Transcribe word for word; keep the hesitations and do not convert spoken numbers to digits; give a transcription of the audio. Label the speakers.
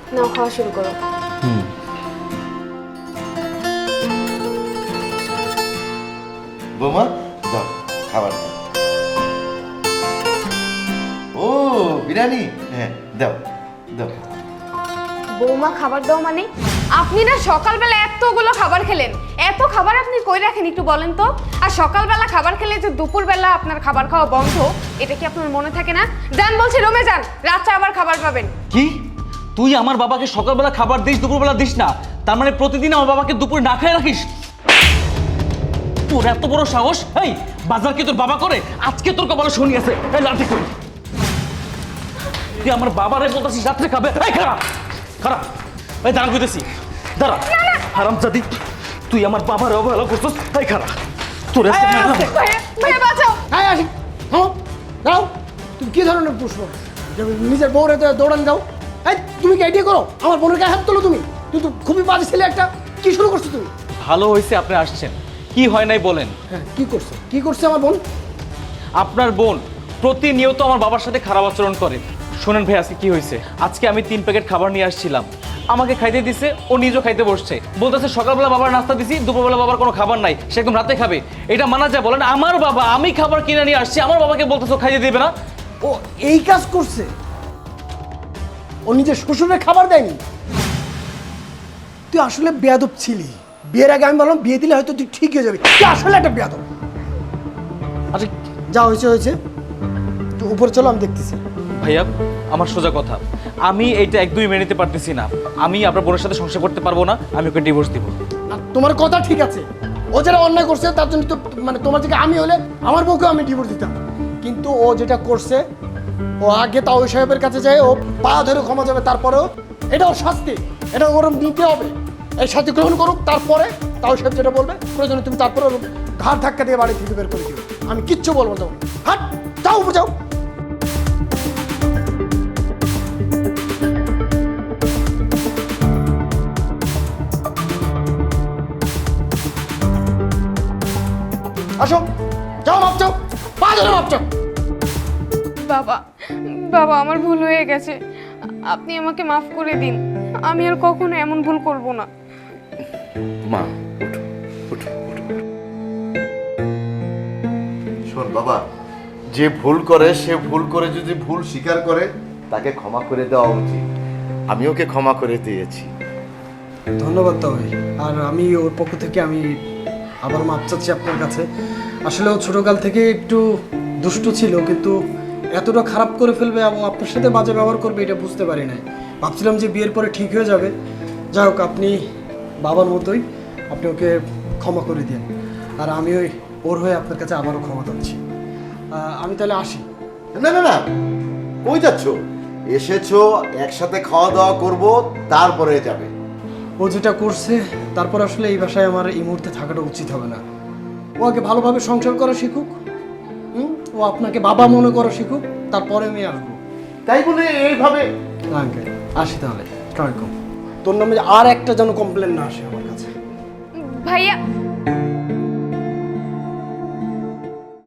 Speaker 1: নাও খাওয়া শুরু করো।
Speaker 2: হুম
Speaker 3: বৌমা দাও খাবার দাও। ও বিরিয়ানি, হ্যাঁ দাও দাও।
Speaker 1: বৌমা খাবার দাও মানে? আপনি না সকালবেলা এতগুলো খাবার খেলেন, এত খাবার আপনি কই রাখেন একটু বলেন তো? আর সকালবেলা খাবার খেলে যে দুপুরবেলা আপনার খাবার খাওয়া বন্ধ, এটা কি আপনার মনে থাকে না? যান বলছি, রুমে যান, রাত্রে আবার খাবার পাবেন।
Speaker 2: কি তুই আমার বাবাকে সকালবেলা খাবার দিস, দুপুরবেলা দিস না? তার মানে প্রতিদিন আমার বাবাকে দুপুরে না খেয়ে রাখিস? তোর এত বড় সাহস! এই বাজার কি তোর বাবা করে? আজকে তোর কপালে শনি আছে। এই লাঠি কই? তুই আমার বাবারে বলতেছিস রাত্রে খাবে? এই খারাপ খারাপ এই দাঁড়া কইতেছি, দাঁড়া। হারামজাদি, তুই আমার বাবার অবহেলা করছিস। এই খারাপ তোর এত
Speaker 1: ভাইয়া, ভাইয়া বাঁচাও।
Speaker 4: হ্যাঁ আসি, হ্যাঁ দাও। তুমি কি ধরনের পুষ্প নিজের বউরে দৌড়ান দাও? এই তুমি কি আইডিয়া করো? আমার বোনের গায়ে হাত তোলো তুমি? তুই তো খুবই বাজে ছেলে একটা। কি শুরু করছো তুমি?
Speaker 2: ভালো হয়েছে আপনি আসছেন। কি হয় নাই বলেন?
Speaker 4: হ্যাঁ কি করছো? কি করছে আমার বোন?
Speaker 2: আপনার বোন প্রতিনিয়ত আমার বাবার সাথে খারাপ আচরণ করে। শোনেন ভাই, আজকে কি হয়েছে? আজকে আমি তিন প্যাকেট খাবার নিয়ে আসছিলাম, আমাকে খাইতে দিছে, ও নিজেও খাইতে বসছে। বলতেছে সকালবেলা বাবার নাস্তা দিছি, দুপুরবেলা বাবার কোনো খাবার নাই, সে একদম রাতে খাবে। এটা মানা যায় বলেন? আমার বাবা, আমি খাবার কিনে নিয়ে আসছি, আমার বাবাকে বলতেছে ও খাইতে দিবে না?
Speaker 4: ও এই কাজ করছে? ও নিজের শ্বশুরের খাবার দেয়নি? তুই আসলে বেয়াদব ছিলি। বিয়ের আগে আমি বললাম বিয়ে দিলে হয়তো তুই ঠিক হয়ে যাবি। তুই আসলে একটা বেয়াদব। আচ্ছা যা হয়েছে হয়েছে, তুই উপরে চলো, আমি দেখতেছি।
Speaker 2: ভাইয়া আমার সোজা কথা, আমি এইটা এক দুই মেনে নিতে পারতেছি না। আমি আপনার বোনের সাথে সংসার করতে পারবো না, আমি ওকে ডিভোর্স দিব।
Speaker 4: আর তোমার কথা ঠিক আছে, ও যারা অন্যায় করছে তার জন্য তো মানে তোমার থেকে আমি হলে আমার বউকে আমি ডিভোর্স দিতাম। কিন্তু ও যেটা করছে, ও আগে তাও ওই সাহেবের কাছে যায়, ও পা ধরে ক্ষমা যাবে, তারপরেও এটা ওর শাস্তি, এটা ওর নিতে হবে। এই শাস্তি গ্রহণ করুক, তারপরে তাও সাহেব যেটা বলবে প্রয়োজনে তুমি তারপরে ওর ঘাড় ধাক্কা দিয়ে বাড়ি থেকে বের করে দিও। আমি কিচ্ছু বলবো না। হাট, যাও উপরে যাও। আসো, যাও, মাপ চাও, পা ধরে মাপ চাও।
Speaker 1: বাবা, বাবা আমার ভুল হয়ে গেছে, আপনি আমাকে মাফ করে দিন। আমি আর কখনো এমন ভুল করব না।
Speaker 3: মা উঠো উঠো উঠো। শোন বাবা, যে ভুল করে সে ভুল করে যদি ভুল স্বীকার করে তাকে ক্ষমা করে দেওয়া উচিত। আমি ওকে ক্ষমা করে দিয়েছি।
Speaker 4: ধন্যবাদ তবে। আর আমি ওর পক্ষ থেকে আমি আবার মাপ চাচ্ছি আপনার কাছে। আসলে ও ছোটকাল থেকে একটু দুষ্টু ছিল, কিন্তু এতটা খারাপ করে ফেলবে এবং আপনার সাথে বাজে ব্যবহার করবে এটা বুঝতে পারি নাই। ভাবছিলাম যে বিয়ের পরে ঠিক হয়ে যাবে। যাই হোক, আপনি বাবার মতোই, আপনি ওকে ক্ষমা করে দিন। আর আমি ওই ওর হয়ে আপনার কাছে আবারও ক্ষমা চাচ্ছি। আমি তাহলে আসি।
Speaker 3: না না না, কই যাচ্ছ? এসেছো, একসাথে খাওয়া দাওয়া করব, তারপরে যাবে।
Speaker 4: ও যেটা করছে তারপর আসলে এই বাসায় আমার এই মুহূর্তে থাকাটা উচিত হবে না। ও আগে ভালোভাবে সংসার করা শিখুক, হুম, ও আপনাকে বাবা মনে করা শিখুক, তারপরে আমি আসবো।
Speaker 3: তাই বলে এইভাবে?
Speaker 4: আঙ্কেল আসি তাহলে। আসসালামু আলাইকুম। তোর নামে আর একটা যেন কমপ্লেন না আসে আমার কাছে।
Speaker 1: ভাইয়া